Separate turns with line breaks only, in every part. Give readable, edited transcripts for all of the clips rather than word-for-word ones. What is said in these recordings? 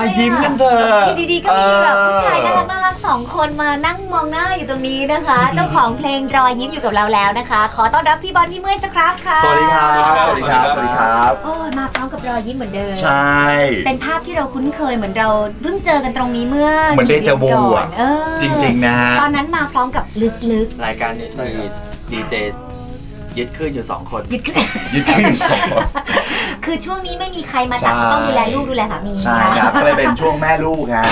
ยิ้มกันเถอะ
อยู่ดีๆก็มีแบบผู้ชายน่ารักสองคนมานั่งมองหน้าอยู่ตรงนี้นะคะเจ้าของเพลงรอยยิ้มอยู่กับเราแล้วนะคะขอต้อนรับพี่บอลพี่เมื่อยสักครั้งค่ะ
สวัสดีครับสวัสดีครับสวัสดีครับ
โอ้มาพร้อมกับรอยยิ้มเหมือนเดิม
ใช่
เป็นภาพที่เราคุ้นเคยเหมือนเราเพิ่งเจอกันตรงนี้เมื่อ
เหมือนเดจาวูอ่ะจริงๆนะ
ตอนนั้นมาพร้อมกับลึก
ๆรายการนี้มีดีเจยึดขึ้นอยู่2 คน
ยึดขึ้นอยู่2 คน
คือช่วงนี้ไม่มีใครมาจับต้องดูแลลูกดูแลสามี
ใช่ครับก็เลยเป็นช่วงแม่ลูกครับ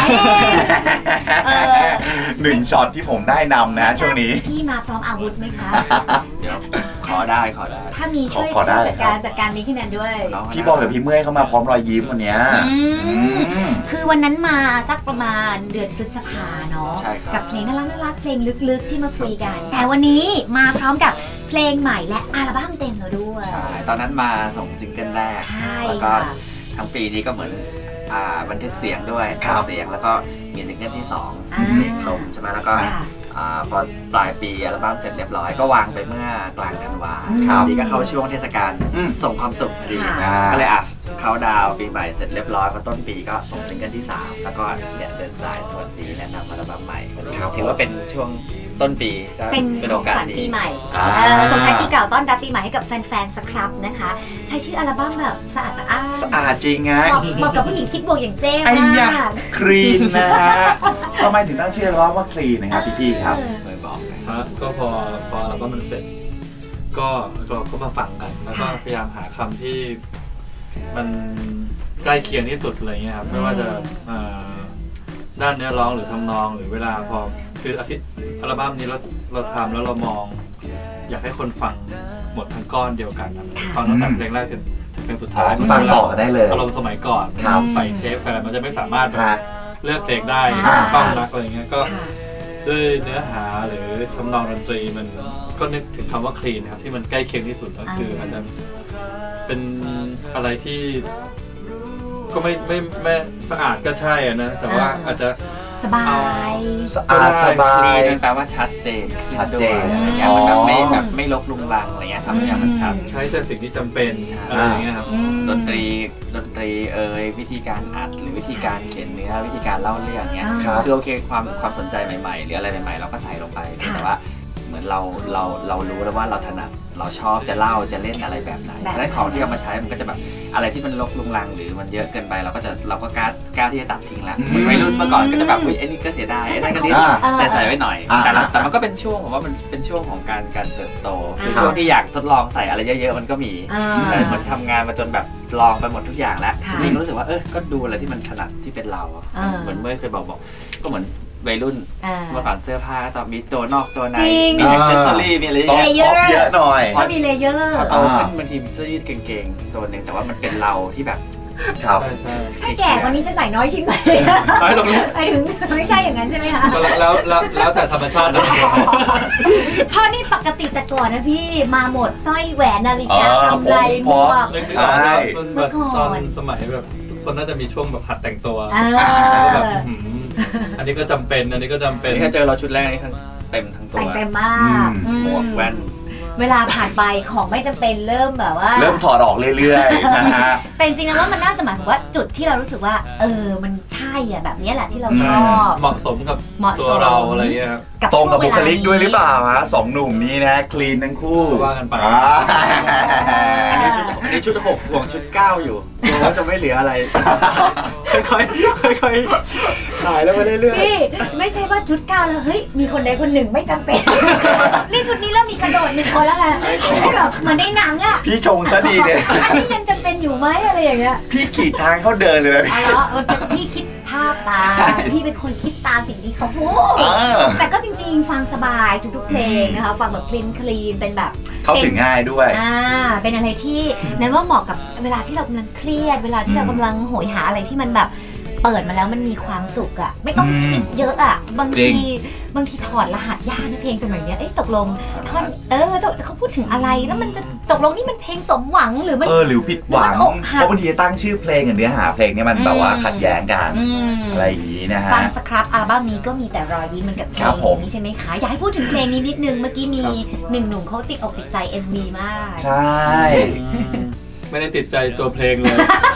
1ช็อตที่ผมได้นำนะช่วงนี้
พี่มาพร้อมอาวุธไหมคะ
เดี๋ยวขอได้
ถ้ามีช่วยจัดการนี้ขึ้นนั้นด้วย
พี่บอลกับพี่เมื่อยเข้ามาพร้อมรอยยิ้มวันนี้
คือวันนั้นมาสักประมาณเดือนพฤษภาเนาะกับเพลงน่ารักเพลงลึกๆที่มาคุยกันแต่วันนี้มาพร้อมกับเพลงใหม่และอัลบั้มเต็มแล้วด้วย
ใช่ตอนนั้นมาส่งซิงเกิลแรกแล้วก็ทั้งปีนี้ก็เหมือนบันทึกเสียงด้วยเสียงแล้วก็มีซิงเกิลที่2เพลงลมใช่ไหมแล้วก็พอปลายปีอัลบั้มเสร็จเรียบร้อยก็วางไปเมื่อกลางธันวาดีก็เข้าช่วงเทศกาลส่งความสุขดีก็เลยเข้าดาวปีใหม่เสร็จเรียบร้อยพอต้นปีก็ส่งซิงเกิลที่3แล้วก็เนี่ยเดินสายสวัสดีแนะนำอัลบั้มใหม่ถือว่าเป็นช่วงต้นปี
เป็นโอกาสปีใหม่ส่งท้ายปีเก่าต้อนรับปีใหม่ให้กับแฟนๆสครับนะคะใช้ชื่ออัลบั้มแบบสะอาด
จริงไง
เหมาะกับผู้หญิงคิดบวกอย่างเจ้มาก
คลีนนะฮะทำไมถึงตั้งชื่ออัลบั้มว่าคลีนนะครับพี่ๆครับ
เลยบอก
ก็พออัลบั้มมันเสร็จก็เราก็มาฟังกันแล้วก็พยายามหาคำที่มันใกล้เคียงที่สุดอะไรเงี้ยครับไม่ว่าจะด้านเนื้อร้องหรือทำนองหรือเวลาพอคืออัลบั้มนี้เราทำแล้วเรามองอยากให้คนฟังหมดทั้งก้อนเดียวกันฟังตั้งแต่เพลงแรกถึงเพลงสุดท้าย
ฟังต่อได้เลย
อารมณ์สมัยก่อนใส่เทปอะไรมันจะไม่สามารถเลือกเพลงได้ต้องรักอะไรเงี้ยก็ด้วยเนื้อหาหรือทำนองดนตรีมันก็นึกถึงคำว่าคลีนนะครับที่มันใกล้เคียงที่สุดก็คืออาจจะเป็นอะไรที่ก็ไม่สะอาดก็ใช่นะแต่ว่าอาจจะ
สบาย
สบาย
แปลว่าชัดเจนอะไรเงี้ยมันแบบไม่ลกลุงลังอะไรเงี้ยทำอย่างมันชัด
ใช้แต่สิ่งที่จำเป็นอะไรอย่างเงี้ยครับ
ดนตรีวิธีการอัดหรือวิธีการเขียนเนื้อวิธีการเล่าเรื่องเงี้ยคือโอเคความสนใจใหม่ๆหรืออะไรใหม่ๆเราก็ใส่ลงไปแต่ว่าเหมือนเรารู้แล้วว่าเราถนัดเราชอบจะเล่าจะเล่นอะไรแบบไหนและของที่เอามาใช้มันก็จะแบบอะไรที่มันลกลุงลังหรือมันเยอะเกินไปเราก็กล้าที่จะตัดทิ้งแล้ววัยรุ่นเมื่อก่อนก็จะแบบไอ้นี่ก็เสียดายไอ้นั่นก็นิดใส่ไว้หน่อยแต่มันก็เป็นช่วงผมว่ามันเป็นช่วงของการเติบโตคือช่วงที่อยากทดลองใส่อะไรเยอะๆมันก็มีแต่เหมือนทำงานมาจนแบบลองไปหมดทุกอย่างแล้วทีนี้ก็รู้สึกว่าก็ดูอะไรที่มันถนัดที่เป็นเราเหมือนเมื่อเคยบอกก็เหมือนวัยรุ่นเมื่อก่อนเสื้อผ้าตอนมีตัวนอกตัวในมีอ็อกเซสซอรี่มีอะไร
เยอะหน่อย
พอมีเลเยอร์
โตขึ้นบางทีเสื้อยืดเก่งๆตัวหนึ่งแต่ว่ามันเป็นเราที่แบบ
ครับ
ถ้าแก่กว่านี้จะใส่น้อยชิ้นไป
น้อยลง
ไปถึงไม่ใช่อย่างนั้นใช่ไหมคะ
แล้วแต่ธรรมชาตินะ
เพราะนี่ปกติแต่ก่อนนะพี่มาหมดสร้อยแหวนนาฬิกากำไรหมวก
เมื่อก่อนสมัยแบบทุกคนน่าจะมีช่วงแบบหัดแต่งตัวแบบอันนี้ก็จำเป็นอันนี้ก็จำเป็น
แค่เจอเราชุดแรกนี่เต็มทั้งตัว
เต็มมาก
หมวกแว่น
เวลาผ่านไปของไม่จำเป็นเริ่มแบบว่า
เริ่มถอดออกเรื่อยๆนะฮะ
แต่จริงๆแล้วว่ามันน่าจะหมายถึงว่าจุดที่เรารู้สึกว่ามันใช่อ่ะแบบนี้แหละที่เราชอบ
เหมาะสมกับตัวเราอะไรเงี้ย
ตรงกับบุคลิกด้วยหรือเปล่าฮะ2หนุ่มนี้นะคลีนทั้งคู่
ว่ากันไป
อันนี้ชุด6ห่วงชุด9อยู่เราจะไม่เหลืออะไรค่อยถ่ายแล้วไปเรื่อย
ๆพี่ไม่ใช่ว่าชุด9แล้วเฮ้ยมีคนใดคนหนึ่งไม่จำเป็นนี่ชุดนี้แล้วมีกระโดด1คนแล้วไงให้แบบเหมือนในหนังอ่ะ
พี่ชงซะดีเลย
อันนี้ยังจำเป็นอยู่ไหมอะไรอย่างเงี้ย
พี่ขีดทางเขาเดินเลย
อ๋อพี่คิดภาพตามพี่เป็นคนคิดตามสิ่งที่เขาพูดแต่ก็จริงๆฟังสบายทุกๆเพลงนะคะฟังแบบคลีนเป็นแบบ
เข้าถึงง่ายด้วย
เป็นอะไรที่นั้นว่าเหมาะกับเวลาที่เรากำลังเครียดเวลาที่เรากำลังโหยหาอะไรที่มันแบบเปิดมาแล้วมันมีความสุขอ่ะไม่ต้องคิดเยอะอ่ะบางทีถอดรหัสยากนะเพลงสมัยนี้ตกลงท่อนเขาพูดถึงอะไรแล้วมันจะตกลงนี่มันเพลงสมหวังหรือมัน
หรือผิดหวังเพราะบางทีตั้งชื่อเพลงกับเนื้อหาเพลงนี้มันแบบว่าขัดแย้งกันอะไรอย่างนี้นะฮะ
ฟังสครับอัลบั้มนี้ก็มีแต่รอยยิ้มมันกับเพลงนี้ใช่ไหมคะอยากให้พูดถึงเพลงนี้นิดนึงเมื่อกี้มี1 หนุ่มเขาติดอกติดใจ MV มาก
ใช่
ไม่ได้ติดใจตัวเพลงเลย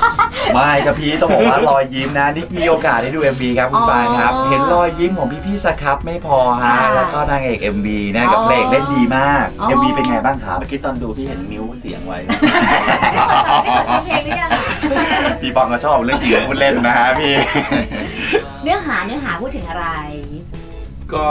ไม่ครับพี่ต้องบอกว่ารอยยิ้มนะนี่มีโอกาสได้ดู MV ครับคุณฟางครับเห็นรอยยิ้มของพี่ๆสครับไม่พอฮะแล้วก็นางเอก MV นะกับเพลงเล่นดีมาก MV เป็นไงบ้างครับ
เมื่อกี้ตอนดูพี่เห็นมิ้วเสียงไว้
เพลงหรือยัง
พี่ปองก็ชอบเรื่องจริงพูดเล่นนะฮะพี่
เนื้อหาพูดถึงอะไร
ก็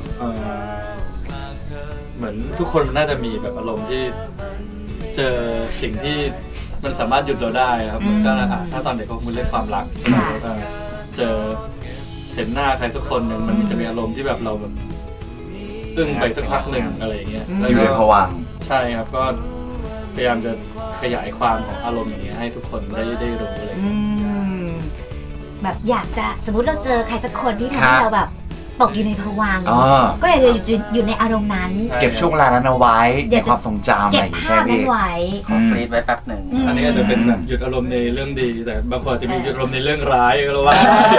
เหมือนทุกคนมันน่าจะมีแบบอารมณ์ที่เจอสิ่งที่มันสามารถหยุดเราได้ครับก็ถ้าตอนเด็กก็คุณเล่นความรักเจอเห็นหน้าใครสักคนหนึ่งมันจะมีอารมณ์ที่แบบเราแบบอึ้งไปสักพักหนึ่งอะไรอย่างเงี้ย
อยู่ในภวังค์
ใช่ครับก็พยายามจะขยายความของอารมณ์อย่างเงี้ยให้ทุกคนได้รู้เลย
แบบอยากจะสมมติเราเจอใครสักคนที่ทำให้เราแบบตกอยู่ในภวังค์ก็อยากจะอยู่ในอารมณ์นั้น
เก็บช่วงเวลานั้นเอาไว้ในความทรงจำอะไรอย่างเงี้ยใช่ไหม
ขอฟรีดไว้แป๊บหนึ่ง
อันนี้อาจจะเป็นแบบหยุดอารมณ์ในเรื่องดีแต่บางคนจะมีหยุดอารมณ์ในเรื่องร้ายก็แล้วว่า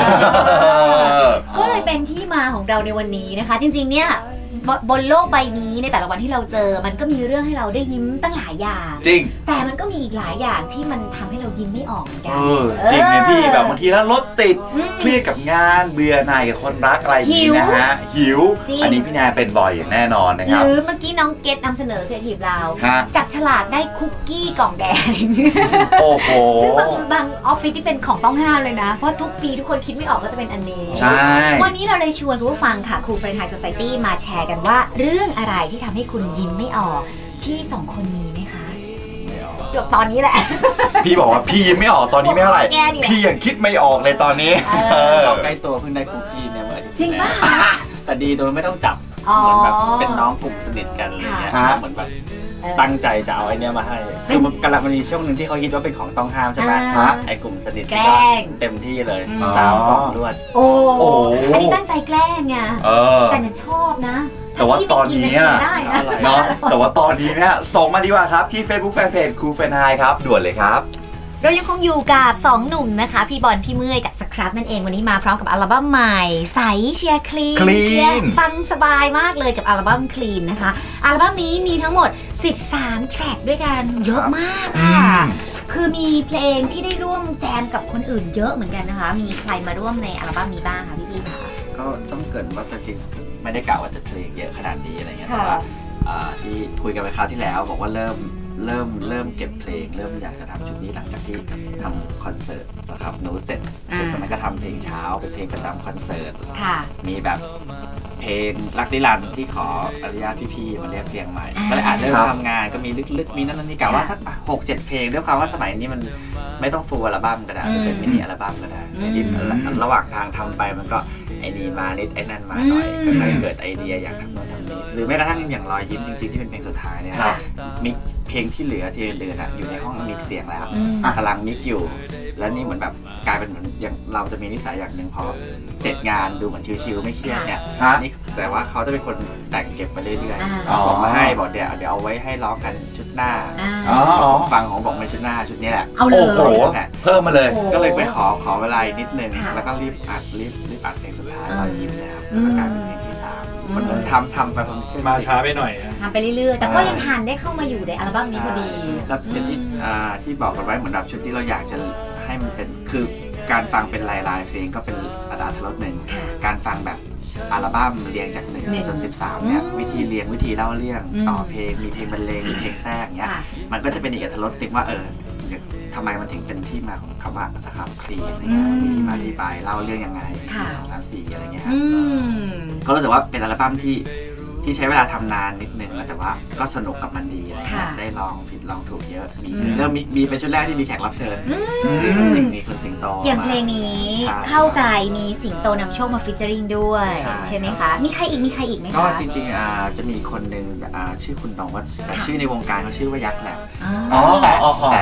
ก็เลยเป็นที่มาของเราในวันนี้นะคะจริงๆเนี่ยบนโลกใบนี้ในแต่ละวันที่เราเจอมันก็มีเรื่องให้เราได้ยิ้มตั้งหลายอย่าง
จริง
แต่มันก็มีอีกหลายอย่างที่มันทำให้เรายิ้มไม่ออกเหมือนกัน
จริงเนี่ยพี่แบบบางทีแล้วรถติดเครียดกับงานเบื่อหน่ายกับคนรักอะไรอย่างนี้นะฮะหิวอันนี้พี่แนนเป็นบ่อยอย่างแน่นอนนะครับ
หรือเมื่อกี้น้องเกตนำเสนอครีเอทีฟเราจับฉลากได้คุกกี้กล่องแดง
โอ้โห
ซึ่งบางออฟฟิศที่เป็นของต้องห้ามเลยนะเพราะทุกปีทุกคนคิดไม่ออกก็จะเป็นอันนี้
ใช่
วันนี้เราเลยชวนผู้ฟังค่ะครูเฟรนไฮส์โซไซตี้มาแชร์กันว่าเรื่องอะไรที่ทำให้คุณยิ้มไม่ออกพี่สองคนมีไหมคะเดี๋ยวตอนนี้แหละ
พี่บอกว่าพี่ยิ้มไม่ออกตอนนี้ไม่เท่าไหร่พี่ยังคิดไม่ออกเลยตอนนี้
ใกล้ตัวเพิ่งได้คุกกี้เนี่ยเมื่ออาทิตย์
จริงป่ะ
แต่ดีโดยไม่ต้องจับเหมือนแบบเป็นน้องกลุ่มสนิทกันอะไรเงี้ยเหมือนแบบตั้งใจจะเอาไอเนี้ยมาให้คือมันกำลังมีช่วงหนึ่งที่เขาคิดว่าเป็นของต้องห้ามใช่ไหมไอกลุ่มสนิทก็เต็มที่เลย3 กล่องรวด
โอ้อันนี้ตั้งใจแกล้งไงแต่เนี่ยชอบนะ
แต่ว่าตอนนี้เนาะแต่ว่าตอนนี้เนี่ยส่งมาดีกว่าครับที่ Facebook Fanpage ครูเฟรนไฮครับด่วนเลยครับ
เรายังคงอยู่กับ2 หนุ่มนะคะพี่บอลพี่เมื่อยจากสครับนั่นเองวันนี้มาพร้อมกับอัลบั้มใหม่ใสเชียร์คลีนเชียร์ฟังสบายมากเลยกับอัลบั้มคลีนนะคะอัลบั้มนี้มีทั้งหมด13 แทร็กด้วยกันเยอะมากค่ะคือมีเพลงที่ได้ร่วมแจมกับคนอื่นเยอะเหมือนกันนะคะมีใครมาร่วมในอัลบั้มนี้บ้างคะพี่ๆคะ
ก็ต้องเกริ่นว่าจริงไม่ได้กล่าวว่าจะเพลงเยอะขนาดนี้อะไรเงี้ยแต่ว่าที่คุยกันไปคราวที่แล้วบอกว่าเริ่มเก็บเพลงเริ่มอยากจะทำชุดนี้หลังจากที่ทำคอนเสิร์ตสครับโน้ตเสร็จตอนนั้นก็ทำเพลงเช้าเป็นเพลงประจำคอนเสิร์ตมีแบบเพลงรักนิรันดร์ที่ขออนุญาตพี่ๆมาเรียบเรียงใหม่ก็เลยเริ่มทำงานก็มีลึกๆมีนั่นนี่กะว่าสัก 6-7 เพลงด้วยความว่าสมัยนี้มันไม่ต้องฟูลอัลบั้มก็ได้เป็นมินิอัลบั้มก็ได้ที่ระหว่างทางทำไปมันก็ไอ้นี่มานิดไอ้นั่นมาหน่อยก็เลยเกิดไอเดียอยากทำโน้นทำนี้หรือแม้กระทั่งอย่างรอยยิ้มจริงๆที่เป็นเพลงสุดท้ายเนี่ยมิกเพลงที่เหลืออยู่ในห้องมิกเสียงแล้วกำลังมิกอยู่แล้วนี่เหมือนแบบกลายเป็นเหมือนอย่างเราจะมีนิสัยอย่างหนึ่งพอเสร็จงานดูเหมือนชิวๆไม่เครียดเนี่ยนี่แต่ว่าเขาจะเป็นคนแต่งเก็บไปเรื่อยๆส่งมาให้บอกเดี๋ยวเอาไว้ให้ร้องกันชุดหน้าฟังของบอกในชุดหน้าชุดนี้แหละ
เอาเลย
เพิ่มมาเลย
ก็เลยไปขอเวลานิดนึงแล้วก็รีบอัดเพลงสุดท้ายรอยยิ้มนะครับแล้วก็กลายเป็นเพลงที่3มันทำไป
มาช้าไปหน่อย
ทำไปเรื่อยๆแต่ก็ยังทันได้เข้ามาอยู่ในอัลบั้มนี้พอดี
แล้วที่บอกกันไว้เหมือนแบบชุดที่เราอยากจะให้มันเป็นคือการฟังเป็นลายเพลงก็เป็นอรรถรสหนึ่งการฟังแบบอัลบั้มเรียงจาก1จน13เนี่ยวิธีเรียงวิธีเล่าเรื่องต่อเพลงมีเพลงบรรเลงมีเพลงแทรกเงี้ยมันก็จะเป็นอีกอรรถรสติงว่าทำไมมันถึงเป็นที่มาของคำว่าสครับคลีนอะไรเงี้ยมีที่มาที่ไปเล่าเรื่องยังไง2 3 4อะไรเงี้ยครับก็รู้สึกว่าเป็นอัลบั้มที่ใช้เวลาทำนานนิดนึงแล้วแต่ว่าก็สนุกกับมันดีอะไรเงี้ยได้ลองผิดลองถูกเยอะมีเป็นชุดแรกที่มีแขกรับเชิญคุณสิงโต
อย่างเพลงนี้เข้าใจมีสิงโตนำโชคมาฟีเจอริงด้วยใช่ไหมคะมีใครอีกไหมคะ
ก็จริงๆจะมีคนหนึ่งชื่อคุณน้องว่าแต่ชื่อในวงการเขาชื่อว่ายักษ์แหละแต่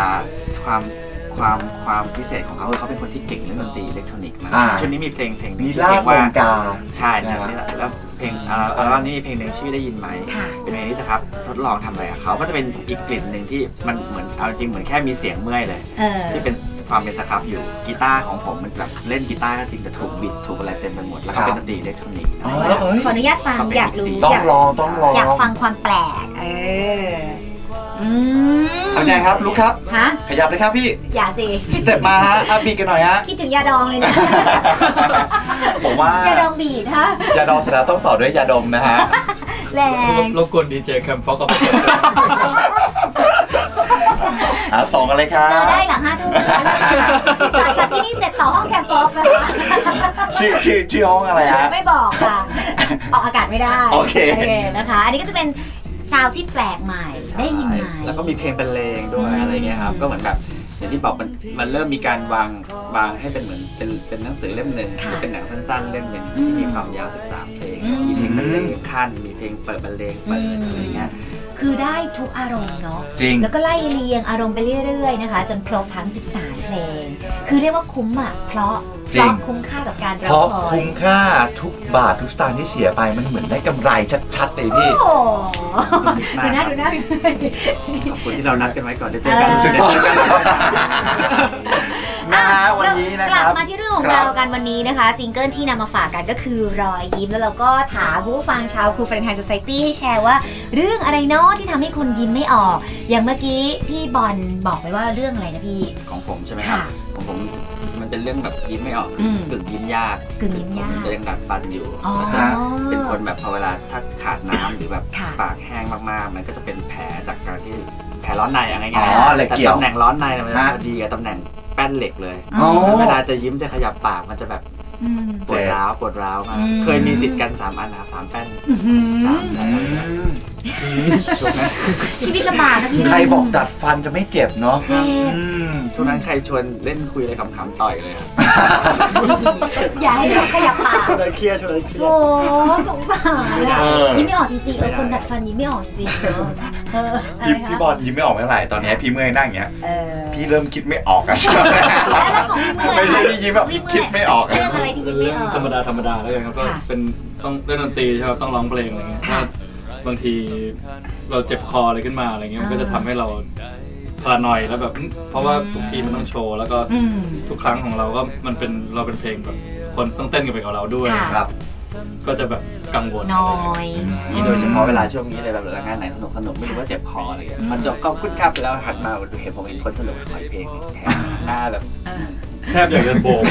ความพิเศษของเขาคือเขาเป็นคนที่เก่งเรื่องดนตรีอิเล็กทรอนิกส์มากชุดนี้มีเพลงที่
ชื่อว่า
ใช่แล้วเพลงอัลบั้มนี้มีเพลงหนึ่งชื่อได้ยินไหมเป็นเพลงที่สครับทดลองทำอะไรกับเขาก็จะเป็นอีกกลิ่นหนึ่งที่มันเหมือนเอาจริงเหมือนแค่มีเสียงเมื่อยเลยที่เป็นความเป็นสครับอยู่กีตาร์ของผมมันแบบเล่นกีตาร์ก็จริงแต่ถูกบิดถูกอะไรเต็มไปหมดแล้วก็เป็นดนตรีอิเล็กทรอนิกส์
ขออนุญาตฟังอยากรู้
ต้องลอง
อยากฟังความแปลก
อันไงครับลุกครับ
ฮะ
ขยับเลยครับพี่
อย่าสิ
สเต็ปมาฮะบีกันหน่อยฮะ
คิดถึงยาดองเลยนะ
ผมว่าย
าดองบีดฮะ
ยาดองสนาต้องต่อด้วยยาดมนะฮะ
แรง
รบกวนดีเจแคมฟ็อกกับ
สองอะไรครั
เจอบ ได้หลัง5 ทุ่มจ่ายจากที่นี่เสร็จต่อห้องแคมป์ฟอกนะคะ
ชื่อห้องอะไรฮะ
ไม่บอกค่ะ ออกอากาศไม่ได้
โอเค
นะคะ อันนี้ก็จะเป็นซาวด์ที่แปลกใหม่ได้ยินใหม่
แล้วก็มีเพลงบรรเลงด้วยอะไรเงี้ยครับก็เหมือนแบบอย่างที่บอกมันเริ่มมีการวางให้เป็นเหมือนเป็นหนังสือเล่มหนึ่งหรือเป็นหนังสั้นๆเล่มหนึ่งที่มีความยาว13เพลงมีเพลงบรรเลงขั้นมีเพลงเปิดบรรเลงเปิดอะไรเงี้ย
คือได้ทุกอารมณ์เนาะ
จริง
แล้วก็ไล่เรียงอารมณ์ไปเรื่อยๆนะคะจนครบทั้ง13เพลงคือเรียกว่าคุ้มอ่ะเพราะคุ้มค่ากับการรอ
เพราะ
คอย
คุ้มค่าทุกบาททุกสตางค์ที่เสียไปมันเหมือนได้กำไรชัดๆเลยพี่
โอ้ดูหน้า
ขอบคุณที่เรานัดกันไว้ก่อนได้เจอกัน
ถูกต้อง นะฮะวันนี้นะ
ก
ค
ลั
รั
บบ มาที่เรื่องของเรากันวันนี้นะคะซิงเกิลที่นำมาฝากกันก็คือรอยยิ้มแล้วเราก็ถามผู้ฟังชาวครูเฟรนไฮโซไซตี้ให้แชร์ว่าเรื่องอะไรเนาะที่ทำให้คุณยิ้มไม่ออกอย่างเมื่อกี้พี่บอลบอกไปว่าเรื่องอะไรนะพี่
ของผมใช่ไหมครับของผมมันเป็นเรื่องแบบยิ้มไม่ออกกึ่งยิ้มยาก
กึ่งยิ้มยาก
ผมยังดัดฟันอยู่
อ๋อ
แล้วก็เป็นคนแบบพอเวลาถ้าขาดน้ำหรือแบบ
ค่ะ
ปากแห้งมากๆ มันก็จะเป็นแผลจากการที่แผลร้อนในอะไร
อ๋
เงี้ย
ออะไร
แต่
เกี่ยว
ตำแหน่งร้อนในมัน
ฮะ
จะดีกับตำแหน่งแป้นเหล็กเลย
อ๋อ
เวลาจะยิ้มจะขยับปากมันจะแบบ
อืม
ปวดร้าวมาก
อืม
เคยมีติดกัน3 อันนะครับ3 แป้น
อื้อหือ
3 แผลช่วงนั้น
ชีวิตลำบากนะพี่
ใครบอกดัดฟันจะไม่เจ็บเนาะ
เจ็บ
อืม
ช่วงนั้นใครชวนเล่นคุยอะไรขำๆต่อยเลยครับ
อย่าให้เราขยับปาก
ชวนอะไรเครียดชวนอะไรเครีย
โอ้
ด
สงสารอะยิ้มไม่ออกจริงๆคนดัดฟันยิ้มไม่ออกจริงๆเอออะไรคะ
พี่บอลยิ้มไม่ออกเมื่อไหร่ตอนนี้พี่เมื่อยนั่งอย่างเงี้ย
เออ
พี่เริ่มคิดไม่ออกอะ
แล้วของพี่เมื่อย
ไม่ใช่พี่ยิ้มแบบพี่คิดไม่ออกอะ
เรื่องอะไรที่ยิ้มไม่
เรื่อง
ออก
ธรรมดาแล้วกันครับก็
ค่ะ
เป็นต้องเล่นดนตรีใช่ไหมต้องร้องเพลงอะไรเงี้ย
ค่ะ
ถ้าบางทีเราเจ็บคออะไรขึ้นมาอะไรเงี้ยมันก็จะทำให้เราพลาหน่อยแล้วแบบเพราะว่าทุกทีมันต้องโชว์แล้วก็
อืม
ทุกครั้งของเราก็มันเป็นเราเป็นเพลงแบบคนต้องเต้นกันไปกับเราด้วย
ค่ะ
ครับ
ก็จะแบบกังวล
น้อย
นี่โดยเฉพาะเวลาช่วงนี้เลยแบบงานไหนสนุกไม่รู้ว่าเจ็บคออะไรเงี้ยมันจบก็คุ้นครับแล้วหันมาดูเห็นผมเห็นคนสนุกขอเพลงแทนหน้าแบบ
แทบอยากจะโบก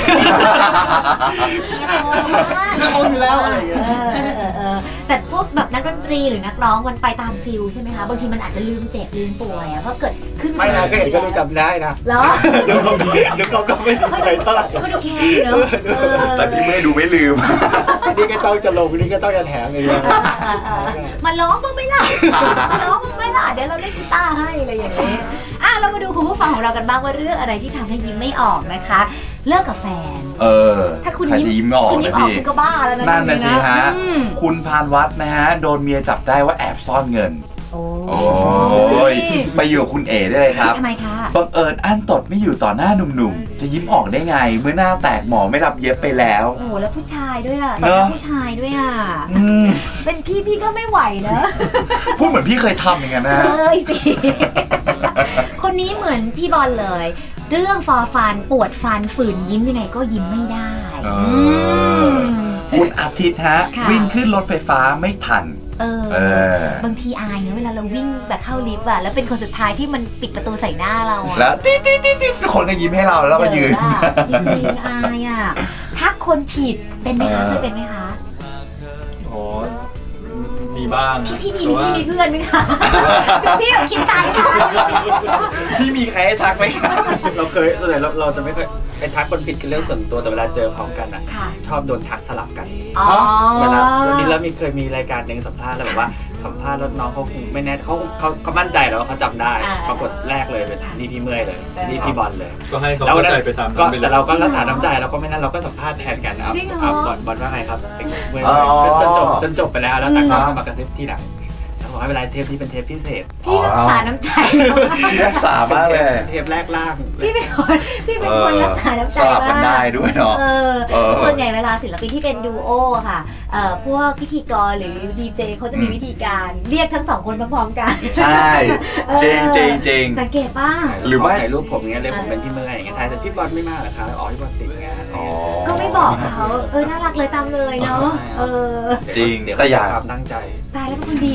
เอาอยู่แล้วอะไรอย่างเงี้ยแต่พวกแบบนักดนตรีหรือนักร้องมันไปตามฟิลใช่ไหมคะบางทีมันอาจจะลืมเจ็บลืมป่วยอะเพราะเกิดขึ้น
ไม่นะก็เห็นก็ดูจำได้นะ
เหรอ
เดี๋ยวเขาก็ไม่ดีใจเท่าไหร่
ก็ดูแค่เนอะ
แต่พี่เมื่อยดูไม่ลืม
นี่ก็จ้องจะลงนี่ก็จ้องจะแถมเลยเนี่ย
มาร้องบ้างไหมล่ะมาร้องบ้างไหมล่ะเดี๋ยวเราเล่นกีตาร์ให้อะไรอย่างเงี้ยเรามาดูคุณผู้ฟังของเรากันบ้างว่าเรื่องอะไรที่ทำให้ยิ้มไม่ออกนะคะเลิกกับแฟน ถ้าคุณ
ใครจะยิ้มไม่ออก
คุณยิ้
นะ
มออก
พี่
คุณก็บ้าแล้วนะ
นั่นนะสิฮะ
อืม
คุณพานวัดนะฮะ โดนเมียจับได้ว่าแอบซ่อนเงิน
โอ้
โอ้ยไปอยู่กับคุณเอ๋ได้เลยครับ
ทำไมคะ
บังเอิญอั้นตดไม่อยู่ต่อหน้าหนุ่มๆ จะยิ้มออกได้ไง เมื่อหน้าแตกหมอไม่รับเย็บไปแล้ว
โอ้แล้วผู้ชายด้วยอ่ะ
เนอะ
ผู้ชายด้วยอ่ะ
อืม
เป็นพี่ก็ไม่ไหวนะ
พูดเหมือนพี่เคยทำอย่างนั้นนะ
เคยสิ คนนี้เหมือนพี่บอลเลย เรื่องฟอฟันปวดฟันฝืนยิ้มยังไงก็ยิ้มไม่ได้
เออ
ม
คุณอาทิตย์ฮะ
ค่ะ
วิ่งขึ้นรถไฟฟ้าไม่ทัน
บางทีอายเนอะเวลาเราวิ่งแบบเข้าลิฟต์อะแล้วเป็นคนสุดท้ายที่มันปิดประตูใส่หน้าเราอะ
แล้วติ๊ดติ๊ดติ๊ดติ๊ดทุกคนก็ยิ้มให้เราแล้วก็ยืน
เดี๋วอะจริงๆอายอะทักคนผิดเป็นไหมคะเคยเป็นไหมคะ
อ๋อมีบ้าง
พี่มี
แต่ว่า
เพื่อนไหมคะพี่แบบคิดตายใช่
พี่มีใครให้ทักไหมครับ
เราเคยส่วนใหญ่เราจะไม่เคยเป็นทักคนผิดคือเรื่องส่วนตัวแต่เวลาเจอพร้อมกันอ่ะ
ค่ะ
ชอบโดนทักสลับกัน
อ๋อ
เวลานี้แล้วเคยมีรายการหนึ่งสัมภาษณ์แล้วแบบว่าสัมภาษณ์แล้วน้องเขาคงไม่แน่เขามั่นใจแล้วว่าเขาจำได้ปรากฏแรกเลยเป็นนี่พี่เมื่อยเลยนี่พี่บอลเลย
ก็ให้เขาเข้าใจไปตาม
ก็
นั้นไปเลย
แต่เราก็รักษาน้ำใจเราก็ไม่นั่นเราก็สัมภาษณ์แทนกันเอาบอลว่าไงครับเมื่อยจนจบไปแล้วแล้วแต่ก็มากระซิบที่หลังแล้วบอกให้เวลาเทปนี้เป็นเทปพิเศษ
พี่รักษาน้ำใจ
พี่รักษามากเลย
เทปแรกล่าง
พี่เป็นคนรักษาน้ำใจ
สลับกันได้ด้วยเนาะ
ส่วนใหญ่เวลาศิลปินที่เป็นดูโอค่ะพวกพิธีกรหรือดีเจเขาจะมีวิธีการเรียกทั้งสองคนพร้อมๆกัน
ใช่จริงจริงจริง
สังเกตป่ะ
หรือไม่
ถ่ายรูปผมเงี้ยเลยผมเป็นพี่เมื่อยอย่างเงี้ยถ่ายแต่พี่บอลไม่มาเหรอคะอ๋อพี่บอลติดงาน
ก็ไม่บอกเขาน่ารักเลยตามเลยเนาะ
จริง
เดี๋ยว
แต่อย่าง
ความตั้งใจ
ตายแล้วเป็นคนดีนะเนี่ย
เป็น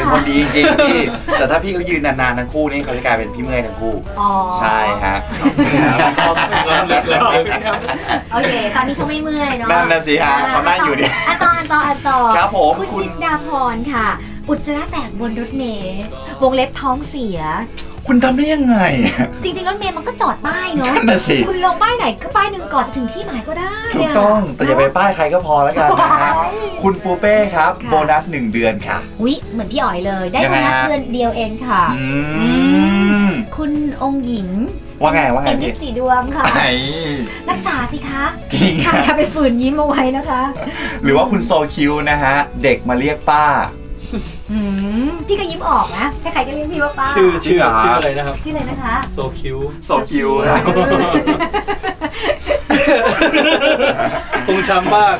คนดีจริงๆพี่แต่ถ้าพี่เขายืนนานๆทั้งคู่นี่เขาจะกลายเป็นพี่เมื่อยทั้งคู่ใช่ฮะ
โอเคตอนนี้เขาไม่เมื่อยเนาะ
นั่นนะสิฮะเขานั่งอยู่เนี่ย
ต่อ
ครับผม
คุณจินดาพรค่ะอุจจาระแตกบนรถเมล์วงเล็บท้องเสีย
คุณทำได้ยังไง
จริงๆรถเมล์มันก็จอดป้ายเนาะ
นั่นน่ะสิ
คุณลงป้ายไหนก็ป้ายหนึ่งก่อนจะถึงที่หมายก็ได้
ถูกต้องแต่อย่าไปป้ายใครก็พอแล้วกันนะฮะคุณปูเป้ครับโบนัส1 เดือนค่ะ
อุ๊ยเหมือนพี่อ๋อยเลยได้โบนัสเดือนเดียวเองค่ะคุณองค์หญิง
ว่าไง
เป็นลิปสีดวงค่ะรักษาสิคะ
จริงค่ะ
อย่าไปฝืนยิ้มเอาไว้นะคะ
หรือว่าคุณโซคิวนะฮะเด็กมาเรียกป้า
พี่ก็ยิ้มออกนะใครๆก็เรียกพี่ว่าป้า
ชื่ออะไรนะครับ
ชื่ออะไรนะคะ
โซคิวตรงช้ำมาก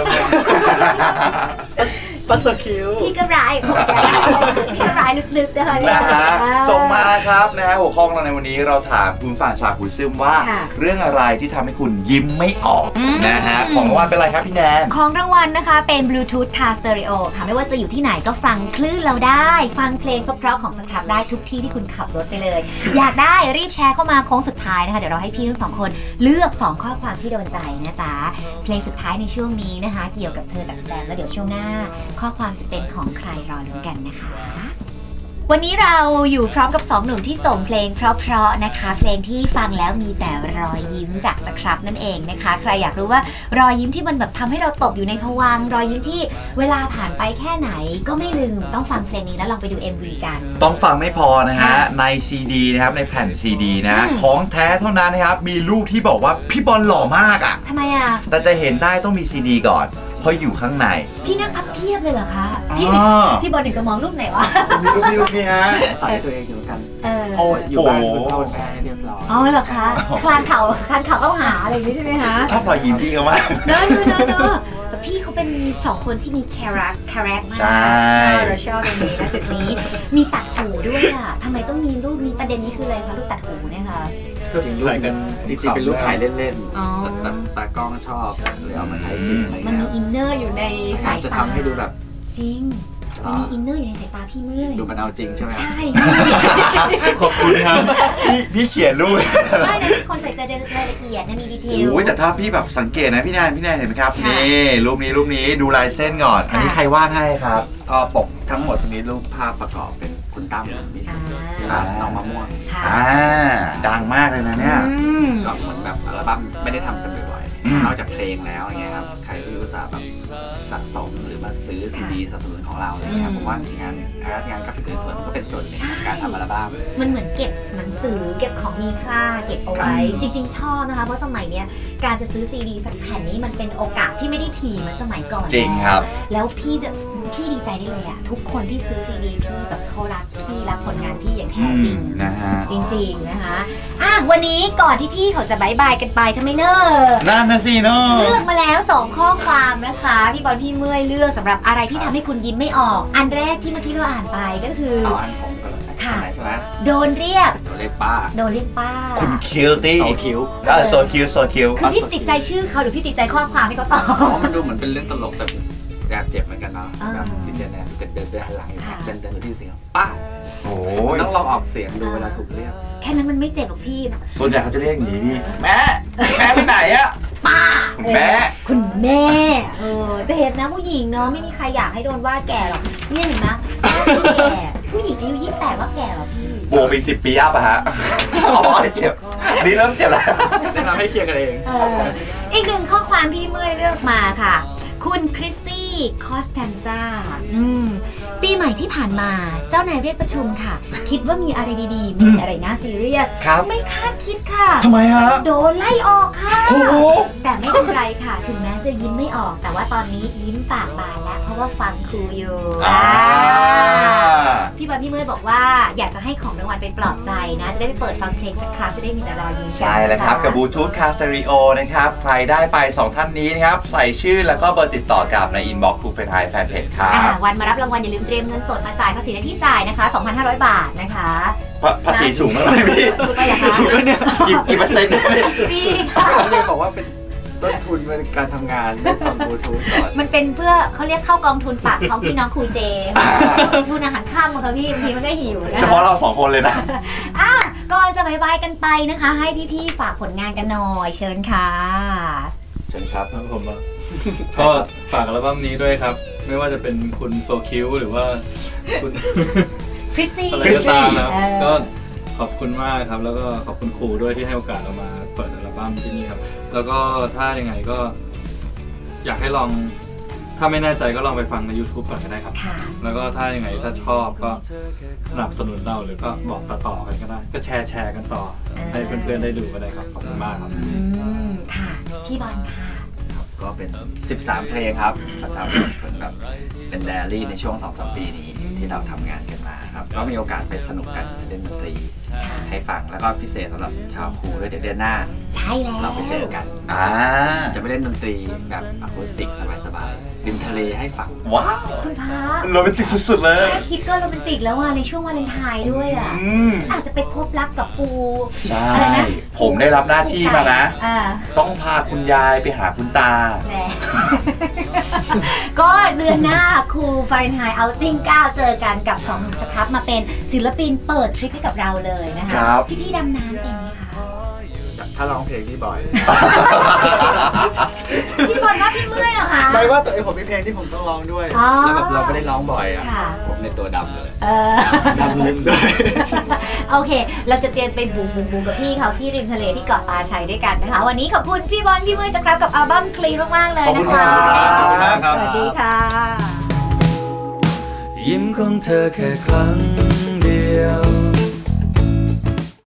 ปัสสคิว
พี่ก็ร้ายพี่ก็ร้ายลึกๆนะคะ
ส่งมาครับนะฮะหัวข้อเราในวันนี้เราถามคุณฝ่ายฉากคุณซึมว่าเรื่องอะไรที่ทำให้คุณยิ้มไม่ออกนะฮะของรางวัลเป็นอะไรครับพี่แนน
ของรางวัลนะคะเป็น Bluetooth Car Stereo ค่ะไม่ว่าจะอยู่ที่ไหนก็ฟังคลื่นเราได้ฟังเพลงเพราะๆของสครับได้ทุกที่ที่คุณขับรถไปเลยอยากได้รีบแชร์เข้ามาโค้งสุดท้ายนะคะเดี๋ยวเราให้พี่ทั้ง2 คนเลือก2ข้อความที่โดนใจนะจ๊ะเพลงสุดท้ายในช่วงนี้นะคะเกี่ยวกับเธอจากแสดงแล้วเดี๋ยวช่วงหน้าข้อความจะเป็นของใครรอลุ้นกันนะคะวันนี้เราอยู่พร้อมกับ2 หนุ่มที่ส่งเพลงเพราะๆนะคะเพลงที่ฟังแล้วมีแต่รอยยิ้มจากสครับนั่นเองนะคะใครอยากรู้ว่ารอยยิ้มที่มันแบบทำให้เราตกอยู่ในภวังค์รอยยิ้มที่เวลาผ่านไปแค่ไหนก็ไม่ลืมต้องฟังเพลงนี้แล้วลองไปดู MV กัน
ต้องฟังไม่พอนะฮะใน CD นะครับในแผ่น CD นะของแท้เท่านั้นนะครับมีรูปที่บอกว่าพี่บอลหล่อมากอ่ะ
ทำไมอ่ะ
แต่จะเห็นได้ต้องมี CD ก่อนเพราะอยู่ข้างใน
พี่นั่งพับเพียบเลยเหรอคะพี่บอลถึงจะมองรูปไหนวะ
มีรูปนี้ฮะ
ใส่ตัวเองอยู่กัน
อยู่บ้าน
เข้าแช่เรียบร้อย
เหรอคะคลานเข่าเข้าหาอะไรอย่างนี้ใช่ไหมคะ
ชอบรอยยิ้มพี่เขามาก
เนอะแต่พี่เขาเป็น2 คนที่มีคาแรคมากเราชอบตรงนี้นะจุดนี้มีตัดหูด้วยอ่ะทำไมต้องมีรูปนี้ประเด็นนี้คืออะไรคะรูปตัดหูเนี่ยคะ
จริงเป็นรูปถ่ายเล่นๆแต่ตากล้องชอบเลยเอามาใช้จริง
มันมีอินเนอร์อยู่ในสายตา
จะทำให้ดูแบบ
จริงมันมีอินเนอร์อยู่ในสายตาพี่เมื่อย
ดูมันเอาจริงใช่ไหม
ใช่
ขอบคุณครับพี่เขียนรูป
ไม่นะคนใส่ใจรายละเอียดนะมีดีเทล
โอ้ยแต่ถ้าพี่แบบสังเกตนะพี่แนนเห็นไหมครับนี่รูปนี้ดูลายเส้นก่อนอันนี้ใครวาดให้ครับ
ก็ปกทั้งหมดตรงนี้รูปภาพประกอบเป็นคุณตั้มมีสิทธิ์น้องมะม่วง
ดังมากเลยนะเนี่ย
ก็เหมือนแบบอัลบั้มไม่ได้ทำกันบ่อยๆนอกจากเพลงแล้วอย่างเงี้ยครับใครที่รู้สึกแบบสะสมหรือมาซื้อซีดีสนับสนุนของเราอะไรเงี้ยผมว่างานกราฟิกสวยๆก็เป็นส่วนหนึ่งของการทำอัลบั้ม
มันเหมือนเก็บหนังสือเก็บของมีค่าเก็บเอาไว้จริงๆชอบนะคะเพราะสมัยเนี้ยการจะซื้อซีดีสักแผ่นนี้มันเป็นโอกาสที่ไม่ได้ถี่เหมือนสมัยก่อน
จริงครับ
แล้วพี่ดีใจได้เลยอะทุกคนที่ซื้อซีดีพี่แบบเขารักพี่รักผลงานพี่อย่างแท้จริง
นะฮะ
จริงๆนะคะวันนี้ก่อนที่พี่เขาจะบายบายกันไปทำไมเนอะ
นั่นนะสิเนอะ
เลือกมาแล้ว2 ข้อความนะคะพี่บอลพี่เมื่อยเลือกสำหรับอะไรที่ทำให้คุณยิ้มไม่ออกอันแรกที่เมื่อกี้เราอ่านไปก็คือ
อันผมก็
ค่ะโดนเรียก
ป้า
คุณคิวตี้
โซคิว
คือพี่ติดใจชื่อเขาหรือพี่ติดใจข้อความที่เขาตอบ
มันดูเหมือนเป็นเรื่องตลกแต่แอบเจ็บเหมือนกันเนาะแบบที่เจนเนี่ยเกิดเดินหันหลังอยู่เดินดูที่เสียงป้า
โอ้
ยต้องลองออกเสียงดูเวลาถูกเรียก
แค่นั้นมันไม่เจ็บหรอกพี่
ส่วนใหญ่เขาจะเรียกอย่างนี้พี่แม่ไปไหนอะ
ป้า
คุณแม่
แต่เห็นนะผู้หญิงเนาะไม่มีใครอยากให้โดนว่าแก่หรอกนี่เห็นไหมแก่ผู้หญิงอายุ28ว่าแก่หรอพี่
โบไป10 ปีอัพอะฮะอ๋อเจ็บนี่เริ่มเจ็บแล้ว
แนะนำให้เคลียร์กันเอง
อีกหนึ่งข้อความพี่เมื่อยเลือกมาค่ะคุณคริสซี่คอสแตนซาปีใหม่ที่ผ่านมาเจ้านายเรียกประชุมค่ะคิดว่ามีอะไรดีๆมีอะไรน่าซีเรียสไม่คาดคิดค่ะ
ทำไมฮะ
โดนไล่ออกค่ะแต่ไม่เป็นไรค่ะถึงแม้จะยิ้มไม่ออกแต่ว่าตอนนี้ยิ้มปากบานแล้วเพราะว่าฟังครูอยู่พี่บอลพี่เมื่อยบอกว่าอยากจะให้ของรางวัลเป็นปลอบใจนะจะได้ไปเปิดฟังเพลงสักครั้งจะได้มีแต่รอยยิ้ม
ใช่แล้วครับกับบลูทูธคาสเตอริโอนะครับใครได้ไป2 ท่านนี้นะครับใส่ชื่อแล้วก็เบอร์ติดต่อกับในอินบ็อกซ์ครูเฟรนไฮแฟนเพจครับ
วันมารับรางวัลอย่าลืมเตรียมเงินสดมาจ่ายภาษีในที่จ่ายนะคะ 2,500 บาทนะคะ
ภาษีสูงมากเลยพี่
สูงไปเหรอคะ
กี่เปอร์เซ็นต์
พี่ค่ะ
เรียกบอกว่าเป็นต้นทุนเป็นการทำงานเรื่องฟังบลูทูธก่อน
มันเป็นเพื่อเขาเรียกเข้ากองทุนปากท้องพี่น้องครูเจทุนอาหารค่ำค่ะพี่บางทีมันก็หิวนะ
เฉพาะเรา2 คนเลยนะ
ก่อนจะบายบายกันไปนะคะให้พี่ๆฝากผลงานกันหน่อยเชิญค่ะ
เชิญครับ
ผมก็ฝากอัลบั้มนี้ด้วยครับไม่ว่าจะเป็นคุณโซคิวหรือว่าคุณ
คริสซี่
อะไรก็ตามครับก็ขอบคุณมากครับแล้วก็ขอบคุณครูด้วยที่ให้โอกาสเรามาเปิดอัลบั้มที่นี่ครับแล้วก็ถ้ายังไงก็อยากให้ลองถ้าไม่แน่ใจก็ลองไปฟังใน YouTube ก่อนก็ได้ครับแล้วก็ถ้ายังไงถ้าชอบก็สนับสนุนเราหรือก็บอกต่อๆกันก็ได้ก็แชร์กันต่อให้เพื่อนๆได้ดูก็ได้ครับขอบคุณมากครับ
ค่ะพี่บอลค่ะ
ก็เป็น13เพลงครับเราทำเป็นไดอารี่ในช่วง 2-3 ปีนี้ที่เราทำงานกันมาครับก็มีโอกาสไปสนุกกันเล่นดนตรีให้ฟังแล้วก็พิเศษสำหรับชาวครูด้วยเดี๋ยวเดือนหน้า
ใช่แล้ว
เราไปเจอกันจะไปเล่นดนตรีแบบอะคูสติกสบายๆริมทะเลให้ฟัง
ว้าว
คุณพระ
โรแมนติกสุดๆเลย
คิดก็โรแมนติกแล้วในช่วงวาเลนไทน์ด้วยอาจจะไปพบรักกับปู
ใช่ผมได้รับหน้าที่มานะต้องพาคุณยายไปหาคุณตา
ก็เดือนหน้าครูฟาเรนไฮต์เอาติ้ง9เจอกันกับ2 หนุ่มสครับมาเป็นศิลปินเปิดทริปให้กับเราเลยนะคะพี่ดำน้ำเองไหมคะ
ถ้าร้องเพลงพี่บอย
พี่บอยว่าพี่เมื่อยเหรอคะ
ไม่ว่าตัวเองผมมีเพลงที่ผมต้องร้องด้วยแล้วแบบเราไม่ได้ร้องบ่อยผมในตัวดำเลยดำลึกด้วย
โอเคเราจะเตรียมไปบูกับพี่เขาที่ริมทะเลที่เกาะตาชัยด้วยกันนะคะวันนี้ขอบคุณพี่บอลพี่เมื่อยสครับกับอัลบั้มคลีนมากๆเลยนะคะสวัสดีค่ะ
ยิ้มของเธอแค่ครั้งเดียว